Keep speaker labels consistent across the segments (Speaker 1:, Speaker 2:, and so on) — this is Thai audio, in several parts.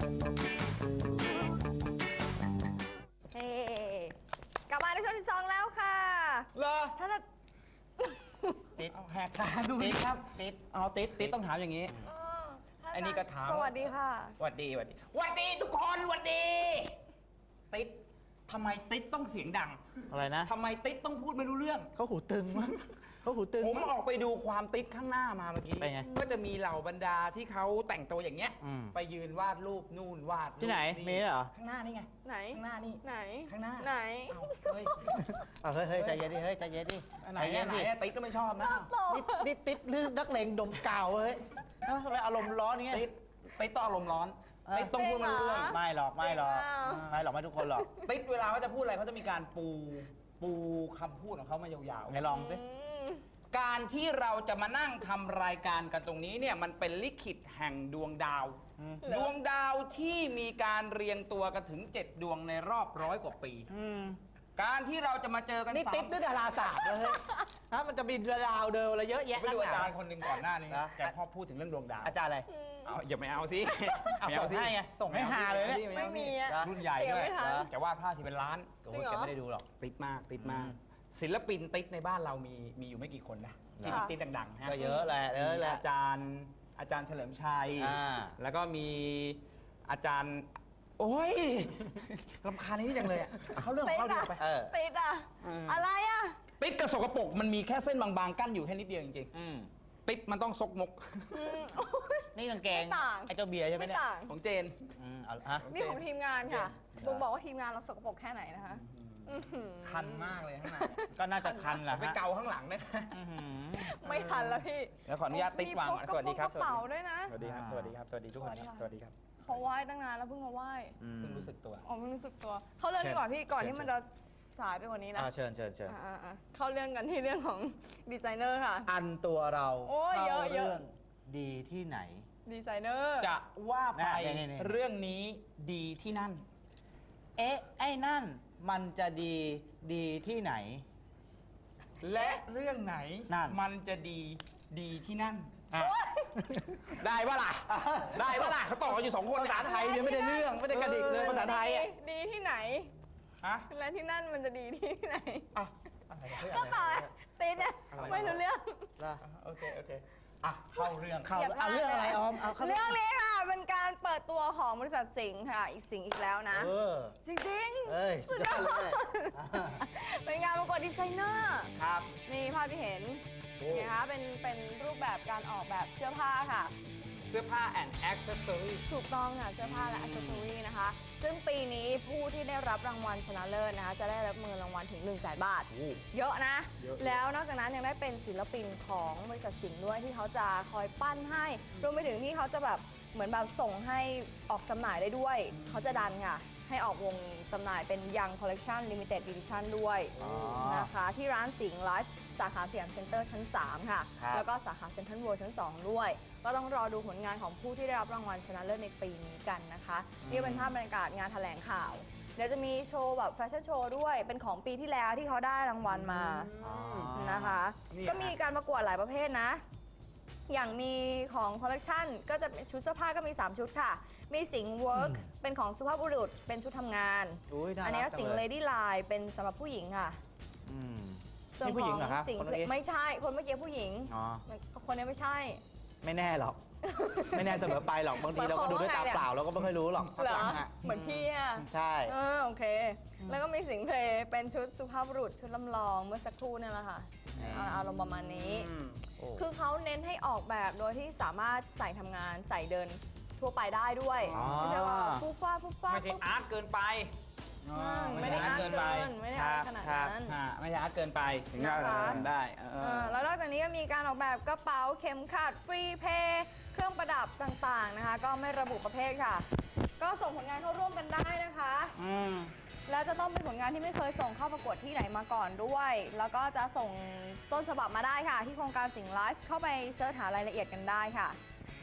Speaker 1: เฮ้กลับมาในช่วงที่ 2แล้วค่ะ
Speaker 2: เหรอ
Speaker 1: ถ้าจะ
Speaker 2: ติดแหกตาดูดิครับติดเอาติดต้องถามอย่างนี้อันนี้ก็ถาม
Speaker 1: สวัสดีค่ะ
Speaker 2: สวัสดีทุกคนสวัสดีติดทำไมติดต้องเสียงดัง
Speaker 3: อะไรนะ
Speaker 2: ทำไมติดต้องพูดไม่รู้เรื่อง
Speaker 3: เขาหูตึงมั้งเขาหูตึง
Speaker 2: ผมออกไปดูความติดข้างหน้ามาเมื่อกี้
Speaker 3: เป็นไง
Speaker 2: ก็จะมีเหล่าบรรดาที่เขาแต่งตัวอย่างเงี้ยไปยืนวาดรูปนู่นวาด
Speaker 3: ที่ไหนมีเหรอ
Speaker 2: ข้างหน้านี่ไง
Speaker 1: ไหน
Speaker 2: ข้างหน้านี่
Speaker 1: ไหน
Speaker 2: ข้างหน้า
Speaker 1: ไหน
Speaker 2: เฮ้ย
Speaker 3: ใจเย็นดิเฮ้ยใจเย็นดิ
Speaker 2: ไหนติดก็ไม่ชอบนะ
Speaker 3: นี่ติดหรือนักเลงดมกาวเฮ้ยทำไมอารมณ์ร้อนเงี้ย
Speaker 2: ติดต้องอารมณ์ร้อนติดต้องพูดไม่รู้เรื่อง
Speaker 3: ไม่หรอกไม่ทุกคนหรอก
Speaker 2: ติดเวลาเขาจะพูดอะไรเขาจะมีการปูคำพูดของเขามายาวๆ
Speaker 3: ไหนลองสิ
Speaker 2: การที่เราจะมานั่งทำรายการกันตรงนี้เนี่ยมันเป็นลิขิตแห่งดวงดาวดวงดาวที่มีการเรียงตัวกันถึง7 ดวงในรอบ100 กว่าปีการที่เราจะมาเจอกัน
Speaker 3: นี่ติดด้วยดาราศาสตร์เลยนะมันจะมีดาวเดิมอะไรเยอะแยะ
Speaker 2: ไปดูอาจารย์คนหนึ่งก่อนหน้านี้แกพ่อพูดถึงเรื่องดวงดาว
Speaker 3: อาจารย์อะไร
Speaker 2: อย่าไม่เอาสิ
Speaker 3: ส่งให้ไงส่งให้หาเลย
Speaker 1: ไม่มี
Speaker 2: รุ่นใหญ่ด้วยแกวาดภาพที่เป็นล้าน
Speaker 3: แกไม่ได้ดูหรอก
Speaker 2: ติดมากศิลปินติ๊กในบ้านเรามีอยู่ไม่กี่คนนะที่ติ๊กดังๆฮะ
Speaker 3: ก็เยอะแหละ
Speaker 2: อาจารย์เฉลิมชัยแล้วก็มีอาจารย์โอ้ยรำคาญนี้จังเลยเขาเรื่องของเขาดีไป
Speaker 1: ติดอะไร
Speaker 2: ติ๊กกระสกปรกมันมีแค่เส้นบางๆกั้นอยู่แค่นิดเดียวจริงๆติ๊กมันต้องซกมก
Speaker 3: นี่กางเกงไอ้เจ้าเบียร์ใช่ไหมเนี่ย
Speaker 2: ของเจน
Speaker 1: นี่ของทีมงานค่ะบุ๋มบอกว่าทีมงานเราสกปรกแค่ไหนนะคะ
Speaker 2: คันมากเลยข้างใน
Speaker 3: ก็น่าจะคันแหละ
Speaker 2: ไปเกาข้างหลังนะ
Speaker 1: ไม่ทันแล้วพี่
Speaker 2: แล้วขออนุญาตติ๊กวางสวัสดีครับ
Speaker 1: กระเป๋าด้วยนะ
Speaker 2: สวัสดีครับสวัสดีทุกคนสวัสดีครับ
Speaker 1: เขาไหว้ตั้งนานแล้วเพิ่งมาไหว้
Speaker 2: เพิ่งรู้สึกตัว
Speaker 1: เพิ่งรู้สึกตัวเขาเรื่องดีกว่าพี่ก่อนที่มันจะสายไปกว่านี้นะ
Speaker 3: เชิญ
Speaker 1: เข้าเรื่องกันที่เรื่องของดีไซเนอร์ค่ะ
Speaker 3: อันตัวเรา
Speaker 1: เข้า
Speaker 3: เรื่องดีที่ไหน
Speaker 1: ดีไซเนอร์
Speaker 2: จะว่าไปเรื่องนี้ดีที่นั่น
Speaker 3: ไอ้นั่นมันจะดีที่ไหน
Speaker 2: และเรื่องไหนมันจะดีที่นั่นได้ปะล่ะเขาต่ออยู่2 คน
Speaker 3: ภาษาไทยเนี่ยไม่ได้เรื่องไม่ได้กระดิกเลยภาษาไทย
Speaker 1: ดีที่ไหนและที่นั่นมันจะดีที่ไหนก็ต่อติดเนี่ยไม่รู้เรื่อง
Speaker 2: โอเคเข้าเรื่อง
Speaker 3: เรื่องอะไรออม
Speaker 1: เรื่องนี้ค่ะเป็นการเปิดตัวของบริษัทสิงห์ค่ะอีกแล้วนะจริง
Speaker 3: ๆสุดยอดเลย
Speaker 1: เป็นงานประกวดดีไซเนอร์
Speaker 3: ครับ
Speaker 1: นี่ภาพที่เห็นนะคะเป็นรูปแบบการออกแบบเสื้อผ้าค่ะ
Speaker 2: เสื้อผ้า and accessory
Speaker 1: ถูกต้องค่ะเสื้อผ้าและ accessory นะคะซึ่งปีนี้ผู้ที่ได้รับรางวัลชนะเลิศนะคะจะได้รับเงินรางวัลถึง 100,000 บาทเยอะนะแล้วนอกจากนั้นยังได้เป็นศิลปินของบริษัทสิงห์ด้วยที่เขาจะคอยปั้นให้รวมไปถึงที่เขาจะแบบเหมือนแบบส่งให้ออกจำหน่ายได้ด้วยเขาจะดันค่ะให้ออกวงจำหน่ายเป็น Young Collection Limited Edition ด้วยนะคะที่ร้านสิงห์ไลฟ์สาขาสยามเซ็นเตอร์ชั้น 3 ค่ะแล้วก็สาขาเซ็นทรัลเวิลด์ชั้น 2 ด้วยก็ต้องรอดูผลงานของผู้ที่ได้รับรางวัลชนะเลิศในปีนี้กันนะคะนี่เป็นภาพบรรยากาศงานแถลงข่าวเดี๋ยวจะมีโชว์แบบแฟชั่นโชว์ด้วยเป็นของปีที่แล้วที่เขาได้รางวัลมานะคะก็มีการประกวดหลายประเภทนะอย่างมีของคอลเลกชันก็จะชุดเสื้อผ้าก็มี3ชุดค่ะมีสิงห์เวิร์กเป็นของสุภาพบุรุษเป็นชุดทำงานอันนี้สิงห์เลดี้ไลน์เป็นสำหรับผู้หญิงค่ะ
Speaker 3: ส่วนของสิงห์
Speaker 1: ไม่ใช่คนเมื่อกี้ผู้หญิงคนนี้ไม่ใช่
Speaker 3: ไม่แน่หรอกไม่แน่เสมอไปหรอกบางทีเราก็ดูด้วยตาเปล่าเราก็ไม่ค่อยรู้หรอก
Speaker 1: เหมือนพี่อ่ะ
Speaker 3: ใช่
Speaker 1: โอเคแล้วก็มีสิงห์เพลเป็นชุดสุภาพบุรุษชุดลำลองเมื่อสักครู่นี่แหละค่ะอารมณ์ประมาณนี้คือเขาเน้นให้ออกแบบโดยที่สามารถใส่ทำงานใส่เดินทั่วไปได้ด้วยไม่ใช่ว่าฟุ๊บฟ้า
Speaker 2: ไม่ใช่อาร์ตเกินไป
Speaker 1: ไม่ได้อาร์ตเกินไม่ได้อาร์ตขนาดนั้น
Speaker 2: ไม่ได้อาร์ตเกินไปถึงจะได้
Speaker 1: แล้วนอกจากนี้ก็มีการออกแบบกระเป๋าเข็มขัดฟรีเพย์เครื่องประดับต่างๆนะคะก็ไม่ระบุประเภทค่ะก็ส่งผลงานเข้าร่วมกันได้นะคะแล้วจะต้องเป็นผลงานที่ไม่เคยส่งเข้าประกวดที่ไหนมาก่อนด้วยแล้วก็จะส่งต้นฉบับมาได้ค่ะที่โครงการสิงห์ไลฟ์เข้าไปเสิร์ชหารายละเอียดกันได้ค่ะ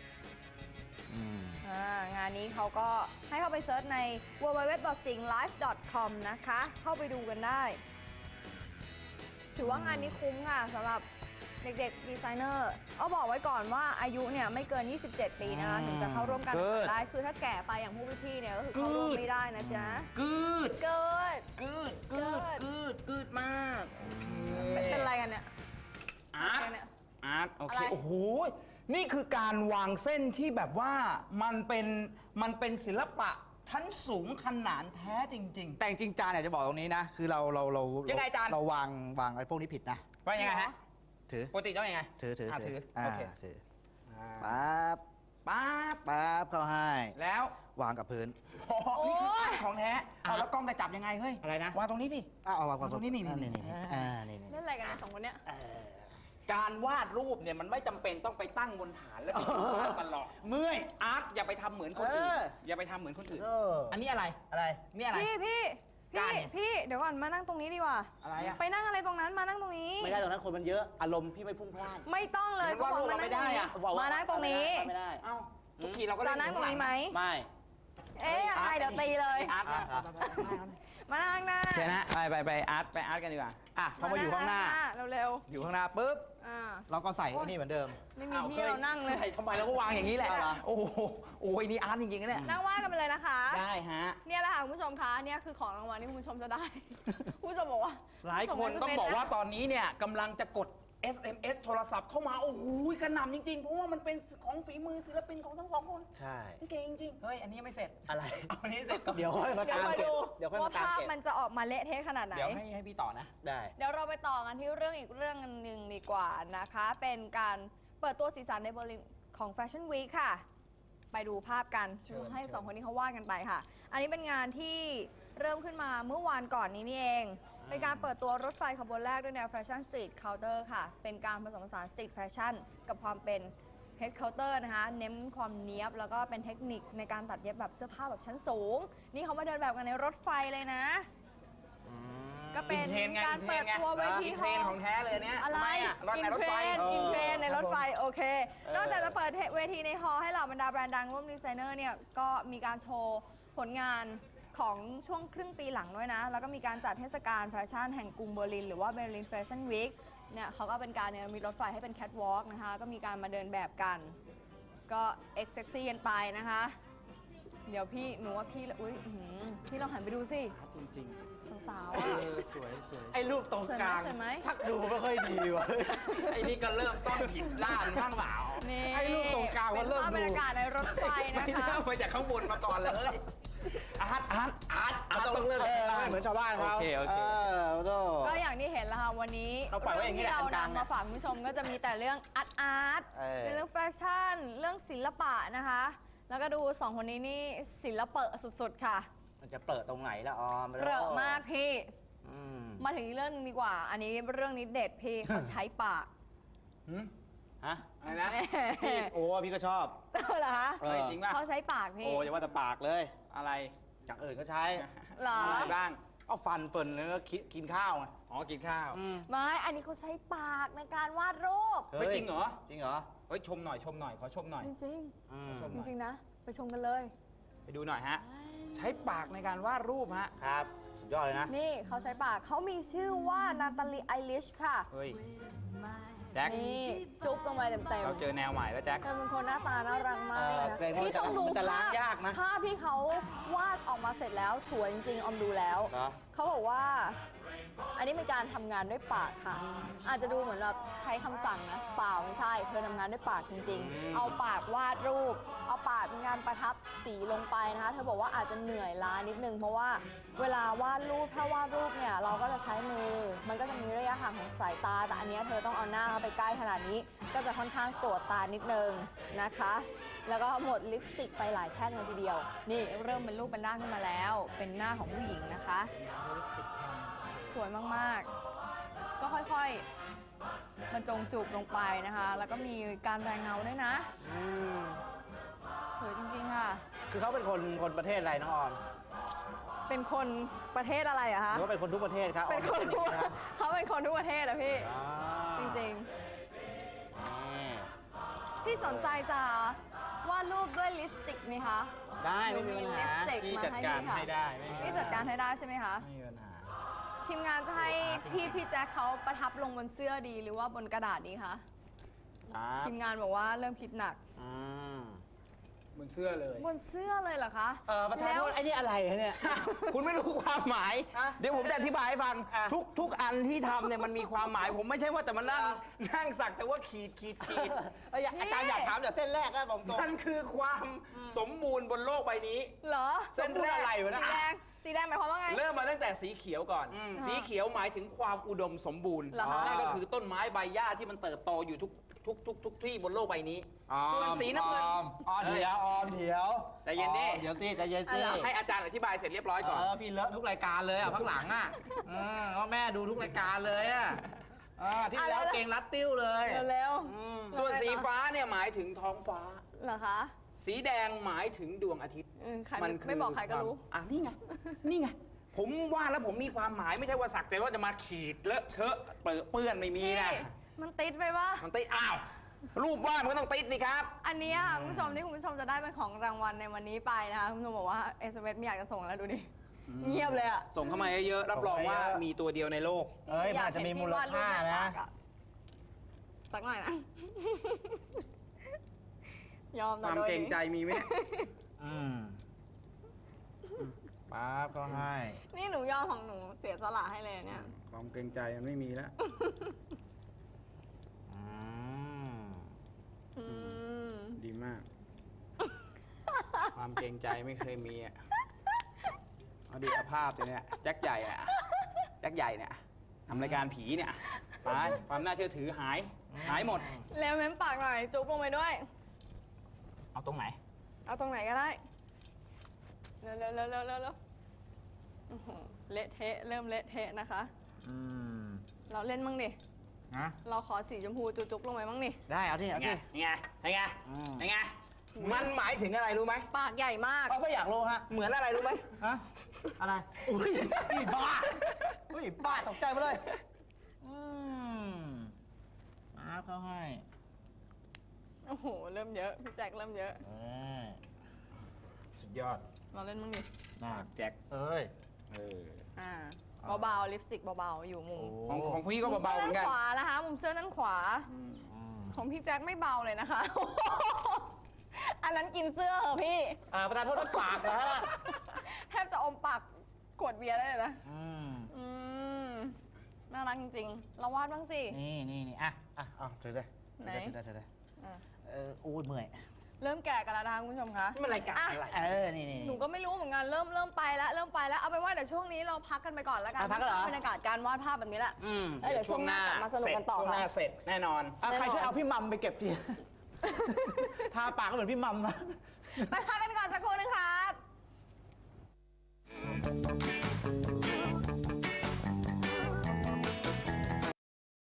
Speaker 1: งานนี้เขาก็ให้เข้าไปเสิร์ชใน www.singlife.com นะคะเข้าไปดูกันได้ถือว่างานนี้คุ้มค่ะสำหรับเด็กๆดีไซเนอร์เอาบอกไว้ก่อนว่าอายุเนี่ยไม่เกิน 27 ปีนะคะถึงจะเข้าร่วมการแข่งขันได้คือถ้าแก่ไปอย่างพวกพี่ๆเนี่ยก็คือเข้าร่วมไม่ได้นะจ๊ะ
Speaker 2: กืด
Speaker 1: เกิด
Speaker 2: กืดมากโอเค
Speaker 1: เป็นอะไรกันเนี่ย
Speaker 2: อาร์ต
Speaker 1: เป็นเนี่ย
Speaker 2: อาร์ตโอเค
Speaker 1: อะไร
Speaker 2: โอ้โหนี่คือการวางเส้นที่แบบว่ามันเป็นศิลปะชั้นสูงขนาดแท้จริง
Speaker 3: แต่จริงๆจานอยากจะบอกตรงนี้นะ คือเรา
Speaker 2: ยังไงจาน
Speaker 3: เราวางไอ้พวกนี้ผิดนะ
Speaker 2: ๆว่ายังไงฮะ
Speaker 3: ถือ
Speaker 2: ปกติต้องยังไง
Speaker 3: ถือ
Speaker 2: อ่ะถือ
Speaker 3: อ่า
Speaker 2: โอเค
Speaker 3: ถือ
Speaker 2: อ่า
Speaker 3: ปั๊บ
Speaker 2: ปั๊บ
Speaker 3: ปั๊บเข้าให้
Speaker 2: แล้ว
Speaker 3: วางกับพื้น
Speaker 2: โอ้โหนี่คืออาร์ตของแท้เอาแล้วกล้องจะจับยังไงเฮ้ย
Speaker 3: อะไรนะ
Speaker 2: วางตรงนี้ดิ
Speaker 3: เอาวาง
Speaker 2: ตรงนี้นี่
Speaker 3: นี่
Speaker 2: นี่
Speaker 3: นี่นี่
Speaker 1: เล่นอะไรกันเนี่ยสองคนเนี่ย
Speaker 2: การวาดรูปเนี่ยมันไม่จำเป็นต้องไปตั้งบนฐานแล้วไปวาดตลอด
Speaker 3: เมื่อย
Speaker 2: อาร์ตอย่าไปทำเหมือนคนอื่น อย่าไปทำเหมือนคนอื่น อันนี้อะไร
Speaker 3: อะไร
Speaker 2: นี่อะไร
Speaker 1: พี่เดี๋ยวก่อนมานั่งตรงนี้ดีกว่า
Speaker 2: อะไรอะ
Speaker 1: ไปนั่งอะไรตรงนั้นมานั่งตรงนี้
Speaker 3: ไม่ได้ตรงนั้นคนมันเยอะอารมณ์พี่ไม่พุ่งพล่าน
Speaker 1: ไม่ต้องเลย
Speaker 2: มันวาดรูปเราไม่ได้อะ
Speaker 1: มานั่งตรงนี้
Speaker 3: ไม่ได้
Speaker 2: เอ้าทุกทีเราก็
Speaker 1: จะ
Speaker 2: เล่น
Speaker 1: นั่งตรงนี้ไหม
Speaker 3: ไม่
Speaker 1: เอ๊ะยังไงเดี๋ยวตีเลย
Speaker 2: อาร์ต
Speaker 1: มานั่งหน้า
Speaker 2: เชนะไปอาร์ตกันดีกว่า
Speaker 3: อ่ะพอมาอยู่ข้างหน้า
Speaker 1: เร็ว
Speaker 3: อยู่ข้างหน้าปุ๊บ
Speaker 1: ๆอ่า
Speaker 3: เราก็ใส่ไอ้นี่เหมือนเดิม
Speaker 1: ไม่มีที่เรานั่งเลย
Speaker 2: ทำไมเราก็วางอย่างนี้แหละ
Speaker 3: เอาเหรอ
Speaker 2: โอ้โหโอ้ยนี่อาร์ตจริงๆนะเนี่ย
Speaker 1: นั่งว่ากันไปเลยนะคะ
Speaker 2: ได้ฮะ
Speaker 1: เนี่ยแหละค่ะคุณผู้ชมคะเนี่ยคือของรางวัลที่คุณผู้ชมจะได้ คุณผู้ชมบอกว่า
Speaker 2: หลายคนต้องบอกว่าตอนนี้เนี่ยกำลังจะกด SMS โทรศัพท์เข้ามา โอ้โหกระหน่ำจริงๆ เพราะว่ามันเป็นของฝีมือศิลปินของทั้งสองคน
Speaker 3: ใช่
Speaker 2: เก่งจริงๆ เฮ้ย อันนี้ยังไม่เสร็จ
Speaker 3: อะไร
Speaker 2: เอาอันนี้เสร็จก่อน
Speaker 3: เดี๋ยวค่อยมา
Speaker 1: เดี๋ยว
Speaker 3: ตาม
Speaker 1: คอย
Speaker 3: เก็บ
Speaker 1: ดู
Speaker 3: เดี๋ยวค่อย
Speaker 1: ว่า
Speaker 3: มาตาม
Speaker 1: ภาพ
Speaker 3: เก็บ
Speaker 1: มันจะออกมาเละเทะขนาดไหน
Speaker 2: เดี๋ยวให้พี่ต่อนะ
Speaker 3: ได้
Speaker 1: เดี๋ยวเราไปต่อกันที่เรื่องอีกเรื่องหนึ่งดีกว่านะคะ เป็นการเปิดตัวสีสันในเบอร์ลินของแฟชั่นวีคค่ะ ไปดูภาพกัน
Speaker 2: เชิญ
Speaker 1: ให้สองคนนี้เขาวาดกันไปค่ะ อันนี้เป็นงานที่เริ่มขึ้นมาเมื่อวานก่อนนี้นี่เอง เป็นการเปิดตัวรถไฟขบวนแรกด้วยแนวแฟชั่นสตรีทเคาน์เตอร์ค่ะ เป็นการผสมผสานสตรีทแฟชั่นกับความเป็นเฮดเคาน์เตอร์นะคะ เน้นความเนี้ยบแล้วก็เป็นเทคนิคในการตัดเย็บแบบเสื้อผ้าแบบชั้นสูง นี่เขามาเดินแบบกันในรถไฟเลยนะ ก็เป็น
Speaker 2: อินเทรนด์ไง
Speaker 1: การเปิดตัวเวที
Speaker 2: อินเทรนด์ของแท้เลยเนี่ย
Speaker 1: อะไร
Speaker 2: รถในรถไฟ
Speaker 1: อินเทรนด์ในรถไฟโอเค นอกจากจะเปิดเวทีในฮอลล์ให้เหล่าบรรดาแบรนด์ดังร่วมดีไซเนอร์เนี่ยก็มีการโชว์ผลงานของช่วงครึ่งปีหลังด้วยนะ แล้วก็มีการจัดเทศกาลแฟชั่นแห่งกรุงเบอร์ลินหรือว่าเบอร์ลินแฟชั่นวีคเนี่ยเขาก็เป็นการเนี่ยมีรถไฟให้เป็นแคทวอล์กนะคะ ก็มีการมาเดินแบบกัน ก็เอ็กเซ็กซี่กันไปนะคะ เดี๋ยวพี่หนูว่าพี่อุ้ยอื้อหือพี่ลองหันไปดูสิ
Speaker 2: จริง
Speaker 1: สาว
Speaker 2: ๆ
Speaker 1: ๆอะ
Speaker 2: สวย
Speaker 3: ไอ้รูปตรงกลาง
Speaker 1: สวยไหม
Speaker 3: ชักดูไม่ค่อยดีวะ
Speaker 2: ไอ้นี่ก็เริ่มต้นผิดด้านบ้างเปล่า
Speaker 1: นี่
Speaker 3: ไอ้รูปตรงกลางมันเริ่ม
Speaker 1: เป็นภาพบรรยากาศในรถไฟ
Speaker 2: ไม่
Speaker 1: นะคะ
Speaker 2: เริ่มมาจากข้างบนมาก่อนเลย อาร์ตต้องเริ่ม
Speaker 3: ไม่เหมือนชาวบ้านเขา
Speaker 2: โอเค
Speaker 3: โธ่
Speaker 1: ก็อย่างที่เห็นแล้วค่ะวันนี้
Speaker 3: เราปล่อยไว้อย่างนี้
Speaker 1: ที่
Speaker 3: แหละ
Speaker 1: เรา
Speaker 3: อันกลาง
Speaker 1: นำมาฝากคุณผู้ชมก็จะมีแต่เรื่องอาร์ต เป็นเรื่องแฟชั่น เรื่องศิลปะนะคะ แล้วก็ดูสองคนนี้นี่ศิลปะสุดๆค่ะ
Speaker 3: มันจะเปิดตรงไหนละออม
Speaker 1: เปรอะมากพี่
Speaker 3: อืม
Speaker 1: มาถึงอีกเรื่องหนึงดีกว่า อันนี้เรื่องนี้เด็ดพี่ เขาใช้ปาก
Speaker 3: ฮะ
Speaker 2: อะไรนะ
Speaker 3: พี่โอ้พี่ก็ชอบ
Speaker 1: เหรอคะ
Speaker 2: เฮ้ยจริงป่ะ
Speaker 1: เขาใช้ปาก
Speaker 3: โอ้
Speaker 1: พี่
Speaker 3: อย่าว่าแต่ปากเลย
Speaker 2: อะไร
Speaker 3: อย่างอื่นก็ใช้
Speaker 1: เหรอ
Speaker 2: อะไรบ้าง
Speaker 3: เอาฟันเปิ่นแล้วก็กินข้าวไง
Speaker 2: อ๋อ กินข้าว
Speaker 1: ไม่ อันนี้เขาใช้ปากในการวาดรูป
Speaker 2: เฮ้ยจริงเหรอ
Speaker 3: จริงเหรอ
Speaker 2: เฮ้ยชมหน่อย ขอชมหน่อย
Speaker 1: จริง
Speaker 3: อืม
Speaker 2: ชม
Speaker 1: ๆ จริงๆนะ ไปชมกันเลย
Speaker 2: ไปดูหน่อยฮะ ใช้ปากในการวาดรูปฮะ
Speaker 3: ครับสุดยอดเลยนะ
Speaker 1: นี่เขาใช้ปากเขามีชื่อว่านาตาลีไอริชค่ะ
Speaker 2: เฮ้ย แจ็ค
Speaker 1: นี่จุ๊บลงไปเต็ม
Speaker 2: เราเจอแนวใหม่แล้วแจ็ค
Speaker 1: ๆเธอเป็นคนหน้าตาน่ารักมากเลยนะ
Speaker 3: เกรงว่า
Speaker 1: พี่ต้องดู
Speaker 3: มันจะล้างยากนะ
Speaker 1: ภาพที่เขาวาดออกมาเสร็จแล้วสวยจริงๆออมดูแล้ว
Speaker 3: เหรอ
Speaker 1: เขาบอกว่า อันนี้เป็นการทำงานด้วยปากค่ะ อาจจะดูเหมือนแบบใช้คำสั่งนะเปล่าไม่ใช่เธอทำงานด้วยปากจริง ๆ เอาปากวาดรูป เอาปากเป็นการประทับสีลงไปนะคะเธอบอกว่าอาจจะเหนื่อยล้านิดนึงเพราะว่าเวลาวาดรูปถ้าวาดรูปเนี่ยเราก็จะใช้มือ มันก็จะมีระยะห่างของสายตา แต่อันเนี้ยเธอต้องเอาหน้าเข้าไปใกล้ขนาดนี้ ก็จะค่อนข้างโกรธตานิดนึงนะคะ แล้วก็หมดลิปสติกไปหลายแท่งเลยทีเดียว นี่เริ่มเป็นรูปเป็นร่างขึ้นมาแล้ว เป็นหน้าของผู้หญิงนะคะ สวยมากๆ ก็ค่อยๆบรรจงจูบลงไปนะคะ แล้วก็มีการแรงเงาด้วยนะ
Speaker 3: อืม
Speaker 1: สวยจริงๆค่ะ
Speaker 3: คือเขาเป็นคนประเทศอะไรน้องออม
Speaker 1: เป็นคนประเทศอะไรอะ
Speaker 3: ห
Speaker 1: คะ
Speaker 3: รือว่าเป็นคนทุกประเทศครับ
Speaker 1: เป็นคนทุก
Speaker 3: นะ
Speaker 1: เขาเป็นคนทุกประเทศอะพี่
Speaker 3: อ่า
Speaker 1: จริง
Speaker 3: นี่
Speaker 1: ๆ พี่สนใจจะวาดรูปด้วยลิปสติกไหมคะ
Speaker 3: ได้ไม่มีปัญ
Speaker 1: ลิ
Speaker 3: หา
Speaker 1: ปสติก
Speaker 2: พี่
Speaker 1: มา
Speaker 2: จัด
Speaker 1: ให้
Speaker 2: การ
Speaker 1: พี่ค่ะ
Speaker 2: ให้ได้ไม่มี
Speaker 1: พี่จัดการให้ได้ใช่ไหมคะ
Speaker 2: ไม่มีปัญหา
Speaker 1: ทีมงานจะให้พี่แจ็คเขาประทับลงบนเสื้อดีหรือว่าบนกระดาษดีคะ
Speaker 3: ครับ
Speaker 1: ทีมงานบอกว่าเริ่มคิดหนัก
Speaker 3: อืม
Speaker 2: บนเสื้อเลย
Speaker 1: บนเสื้อเลยเหรอคะ
Speaker 3: ประธานโทษไอ้นี่อะไรฮะเนี่ย
Speaker 2: คุณไม่รู้ความหมาย
Speaker 3: ฮะ
Speaker 2: เดี๋ยวผมจะอธิบายให้ฟัง
Speaker 3: อ่ะ
Speaker 2: ทุกอันที่ทำเนี่ยมันมีความหมาย ผมไม่ใช่ว่าแต่มานั่งสักแต่ว่าขีด
Speaker 3: อาจารย์อยากถามแต่เส้นแรกนะผมตรง
Speaker 2: มันคือความสมบูรณ์บนโลกใบนี้
Speaker 1: เหรอ
Speaker 2: เส้นแรก
Speaker 3: อะไรวะ
Speaker 1: สี
Speaker 3: นะ
Speaker 1: แดงสีแดงหมายความว่าไง
Speaker 2: เริ่มมาตั้งแต่สีเขียวก่อน สีเขียวหมายถึงความอุดมสมบูรณ์
Speaker 1: เหรอคะ
Speaker 2: นั่นก็คือต้นไม้ใบหญ้าที่มันเติบโตอยู่ทุกที่บนโลกใบนี้ ส่วนสีน้ำเงิน
Speaker 3: เดี๋ยว
Speaker 2: ใจเย็นดิ
Speaker 3: เดี๋ยวสิใจเย็นสิ
Speaker 2: ให้อาจารย์อธิบายเสร็จเรียบร้อยก่อน
Speaker 3: พี่เลอะทุกรายการเลยอ่ะข้างหลังอ่ะก็แม่ดูทุกรายการเลยอ่ะที่แล้วเก่งรัดติ้วเลย
Speaker 1: เร็ว
Speaker 2: ส่วนสีฟ้าเนี่ยหมายถึงท้องฟ้า
Speaker 1: ๆเหรอคะ
Speaker 2: สีแดงหมายถึงดวงอาทิตย์
Speaker 1: ใครไม่บอกใครก็รู้
Speaker 2: นี่ไง ผมว่าแล้วผมมีความหมายไม่ใช่ว่าสักแต่ว่าจะมาขีดเลอะเทอะเปื้อนไม่มีนะ
Speaker 1: พี่มันติดไปปะ
Speaker 2: มันติดอ้าว รูปวาดมันก็ต้องติดนี่ครับ
Speaker 1: อันนี้ค่ะคุณผู้ชมที่คุณผู้ชมจะได้เป็นของรางวัลในวันนี้ไปนะคะคุณผู้ชมบอกว่า SMS ไม่อยากจะส่งแล้วดูดิ เงียบเลยอ่ะ
Speaker 2: ส่งเข้ามาเยอะๆรับรองว่ามีตัวเดียวในโลก
Speaker 3: มันอาจจะมีมูลค่านะ
Speaker 1: สักหน่อยนะ ยอม
Speaker 2: ค
Speaker 1: แต่
Speaker 2: วาม
Speaker 1: โดย
Speaker 2: เกรงใจมีไหม
Speaker 3: ป๊าบก็ให้
Speaker 1: นี่หนูยอมของหนูเสียสละให้เลยเนี่ย
Speaker 2: ความเกรงใจมันไม่มีแล้ว ดีมาก ความเกรงใจไม่เคยมีอ่ะเอาดูสภาพเลยเนี่ยแจ็คใหญ่อ่ะแจ็คใหญ่เนี่ยทำรายการผีเนี่ยตายความน่าเชื่อถือหายหมด
Speaker 1: แล้วเม้มปากหน่อย จุ๊บลงไปด้วย
Speaker 2: เอาตรงไหน
Speaker 1: เอาตรงไหนก็ได้ เร็วโอ้โหเละเทะ เริ่มเละเทะนะคะ เราเล่นมั่งดิ
Speaker 3: นะ
Speaker 1: เราขอสีชมพูจุ๊บๆลงไปมั่งดิ
Speaker 3: ได้เอาที่เอาที่
Speaker 2: ไงมันหมายถึงอะไรรู้ไหม
Speaker 1: ปากใหญ่มาก
Speaker 3: ไม่อยากรู้ฮะ
Speaker 2: เหมือนอะไรรู้ไหม
Speaker 3: ฮะอะไรอุ้ยบ้าบ้าตกใจไปเลยป๊าบก็ให้
Speaker 1: โอ้โห เริ่มเยอะ พี่แจ็คเริ่มเยอะ
Speaker 2: สุดยอด
Speaker 1: เราเล่นมั่งดิ
Speaker 3: น่า
Speaker 2: แจ็ค
Speaker 1: เบาๆ ลิปสติกเบาๆ อยู่มุม
Speaker 2: ของพี่ก็เบาๆเหมือนกัน
Speaker 1: มุมเสื้อด้านขวานะคะ มุมเสื้อด้านขวา ของพี่แจ็คไม่เบาเลยนะคะ อันนั้นกินเสื้อเหรอพี่
Speaker 3: ประธานโทษนะปากนะฮะ
Speaker 1: แทบจะอมปากขวดเบียร์ได้เลยนะน่ารักจริงๆ เราวาดบ้างสิ
Speaker 3: นี่ถือเลย
Speaker 1: ไหน
Speaker 3: ถือเลยอู้เมื่อย
Speaker 1: เริ่มแก่กันแล้วนะคะคุณผู้ชมคะ
Speaker 2: นี่มันรายการอะไร
Speaker 3: นี่
Speaker 1: หนูก็ไม่รู้เหมือนกัน เริ่มไปแล้ว เอาเป็นว่าเดี๋ยวช่วงนี้เราพักกันไปก่อนแล้วกัน
Speaker 3: พักกันเหรอ
Speaker 1: บรรยากาศการวาดภาพแบบนี้แหละ เดี๋ยวช่วงหน้ากลับมาสนุกกันต่อ
Speaker 2: ช่วงหน้า
Speaker 1: ค่ะ
Speaker 2: เสร็จแน่นอน
Speaker 3: ใครช่วยเอาพี่มัมไปเก็บที ทาปากก็เหมือนพี่มัมนะ
Speaker 1: ไปพักกันก่อนสักครู่นึง